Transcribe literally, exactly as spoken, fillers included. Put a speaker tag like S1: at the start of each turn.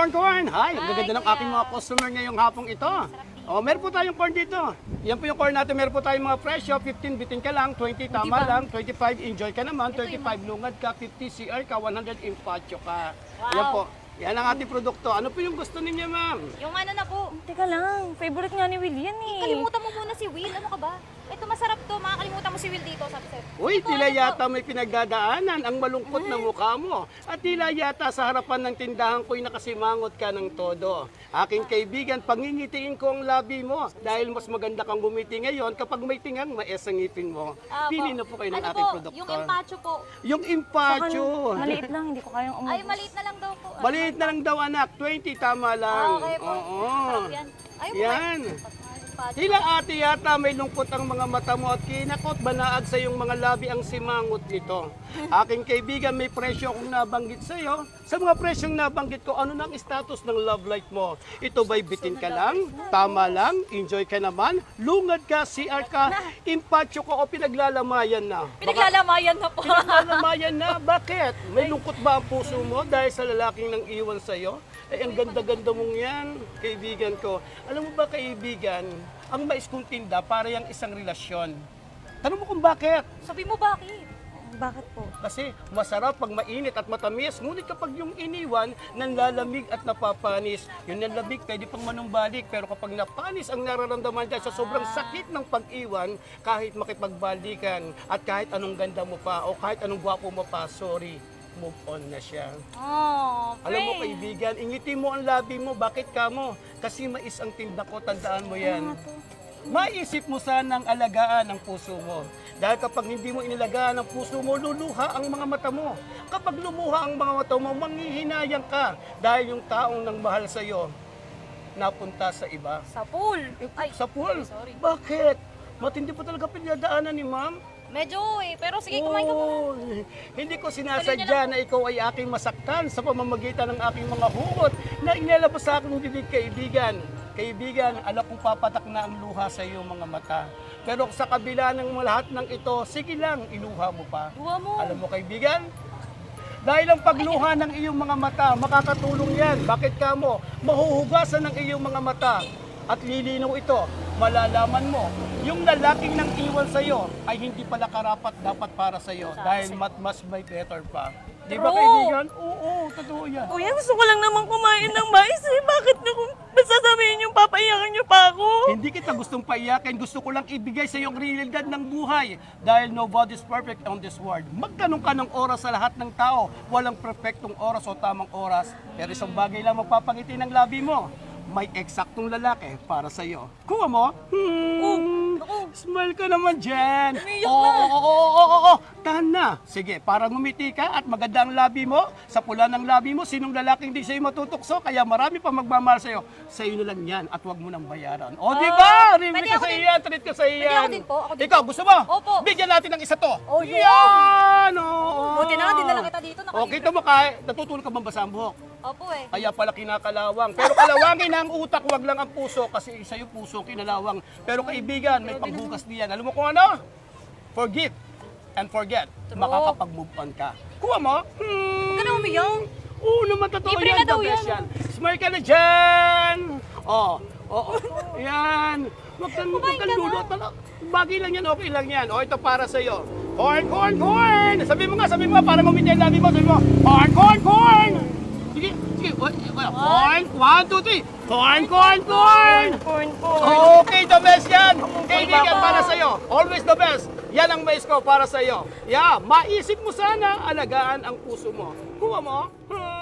S1: corn, corn! Hi! Ang
S2: Hi,
S1: gaganda ng
S2: kuya.
S1: aking mga customer ngayong hapong ito. Oh, meron po tayong corn dito. Yan po yung corn natin. Meron po tayong mga presyo. fifteen bitin ka lang, twenty tama
S2: ba?
S1: lang, twenty-five enjoy ka naman, thirty-five lungad ka, fifty C R ka, one hundred impatyo ka.
S2: Wow.
S1: Yan po. Yan ang ating produkto. Ano po yung gusto ninyo, ma'am?
S2: Yung ano na po,
S3: Teka lang, favorite nga ni Will yan eh.
S2: kalimutan mo muna si Will. Ano ka ba? Ito masarap to. Makakalimutan mo si Will dito. Sabi sa'yo.
S1: Uy,
S2: Ito,
S1: tila
S2: ano po?
S1: yata may pinagdadaanan ang malungkot na mukha mo. At tila yata sa harapan ng tindahan ko'y nakasimangot ka ng todo. Aking kaibigan, pangingitiin ko ang labi mo. Dahil mas maganda kang gumiti ngayon kapag may tingang maes ang ngipin mo.
S2: Ah,
S1: Pili
S2: po.
S1: na po kayo ng
S2: Ano
S1: ating
S2: po?
S1: produkto.
S2: Yung empacho po.
S1: Yung impacho.
S3: Maliit lang, hindi ko kayang umubos.
S2: Ay, maliit na lang daw po.
S1: Maliit na lang daw anak, twenty tama lang.
S2: Ah, okay po.
S1: Oo.
S2: Sarap yan. Ay, po,
S1: Yan.
S2: empacho.
S1: Tila ate yata may lungkot ang mga mata mo at kinakot banaag sa iyong mga labi ang simangot nito. Aking kaibigan, may presyo akong nabanggit sa iyo. Sa mga presyong nabanggit ko, ano na ang status ng love life mo? Ito ba'y bitin ka lang? Tama lang? Enjoy ka naman? Lungad ka? C R ka? Impatyo ko o pinaglalamayan na? Baka-
S2: Pinaglalamayan na po.
S1: Pinaglalamayan na? Bakit? May lungkot ba ang puso mo dahil sa lalaking nang iwan sa iyo? Eh, ang ganda-ganda mong yan, kaibigan ko. Alam mo ba, kaibigan, ang mais kong tinda para yung isang relasyon. Tanong mo kung bakit?
S2: Sabi mo bakit?
S3: Bakit po?
S1: Kasi masarap pag mainit at matamis, ngunit kapag yung iniwan, nanlalamig at napapanis. Yung nanlamig, pwede pang manumbalik, pero kapag napanis ang nararamdaman dyan sa sobrang sakit ng pag-iwan, kahit makipagbalikan at kahit anong ganda mo pa o kahit anong gwapo mo pa, sorry, move on na siya.
S2: Oh,
S1: Alam mo
S2: friend.
S1: kaibigan, ingiti mo ang labi mo, bakit ka mo? Kasi mais ang tinda ko, tandaan mo yan. Maisip mo sanang alagaan ang puso mo. Dahil kapag hindi mo inilagaan ang puso mo, luluha ang mga mata mo. Kapag lumuha ang mga mata mo, manghihinayang ka. Dahil yung taong nang mahal sa iyo, napunta sa iba.
S2: Sa pool. Ay,
S1: Sa pool.
S2: sorry.
S1: Bakit? Matindi pa talaga pinadaanan ni ma'am.
S2: Medyo eh. Pero sige, kumain ka muna.
S1: Oo. Hindi ko sinasadya na ikaw ay aking masaktan sa pamamagitan ng aking mga hugot na inilabas sa aking bibig, kaibigan. Kaibigan, alam kong papatak na ang luha sa iyong mga mata. Pero sa kabila ng lahat ng ito, sige lang, iluha mo pa.
S2: Luha mo.
S1: Alam mo kaibigan, dahil ang pagluha ng iyong mga mata, makakatulong yan. Bakit ka mo? Mahuhugasan ng iyong mga mata. At lilinaw ito, malalaman mo, yung lalaking nang iwan sa iyo ay hindi pala karapat dapat para sa iyo dahil mat mas may better pa. Di ba
S2: True.
S1: kaibigan? Oo, totoo yan.
S3: Kuya, gusto ko lang naman kumain ng mais eh. Bakit niyo kung sasabihin niyo, papaiyakan niyo pa ako?
S1: Hindi kita gustong paiyakin, gusto ko lang ibigay sa iyong realidad ng buhay dahil nobody's perfect on this world. Magtanong ka ng oras sa lahat ng tao, walang perfectong oras o tamang oras, pero isang bagay lang magpapangiti ng labi mo. May eksaktong lalaki para sa iyo. Kuha mo? Hmm. Smile ka naman dyan.
S2: Umiyak
S1: Oo,
S2: na.
S1: oo, oo, oo, oo. Tahan na. Sige, para ngumiti ka at maganda ang labi mo, sa pula ng labi mo, sinong lalaking di sa'yo matutokso, kaya marami pa magmamahal sa'yo. Sa'yo na lang yan at huwag mo nang bayaran. O, di ba? Review
S2: pwede
S1: ka
S2: ako
S1: sa
S2: din.
S1: iyan, treat ka sa iyan.
S2: ako din po, ako din
S1: Ikaw, gusto mo?
S2: Opo.
S1: Bigyan natin ng isa to.
S2: Oh, yun.
S1: Yan! Oo.
S2: Buti na nga, dinala kita dito.
S1: O, kita mo kahit natutulog ka bang basa ang buhok?
S2: Opo eh.
S1: Kaya pala kinakalawang. Pero kalawangin na ang utak, wag lang ang puso. Kasi isa yung puso, kinalawang. Pero kaibigan, may pagbukas diyan. Alam mo kung ano? Forgive and forget. Makakapag-move on ka. Kuha mo? Hmm.
S2: Huwag ka na umiyak.
S1: Oo naman, totoo
S2: Libre
S1: yan.
S2: na daw
S1: The best
S2: yan.
S1: yan. Smile ka na dyan. Oh, oh, yan. Huwag kang, huwag
S2: Kumain
S1: kang
S2: ka na.
S1: lulot. Bagay lang yan, okay lang yan. O, ito para sa'yo. Corn, corn, corn! Sabi mo nga, sabi mo nga, para ngumiti ang labi mo. Sabi mo, corn, corn, corn! Sige, sige. Corn, one, two, three. Corn, corn, corn!
S3: Corn po.
S1: Okay, the best yan. Kaibigan, para sa'yo. Always the best. Yan ang mais ko para sa'yo. Yeah, maisip mo sana, alagaan ang puso mo. Kuha mo. Hmm.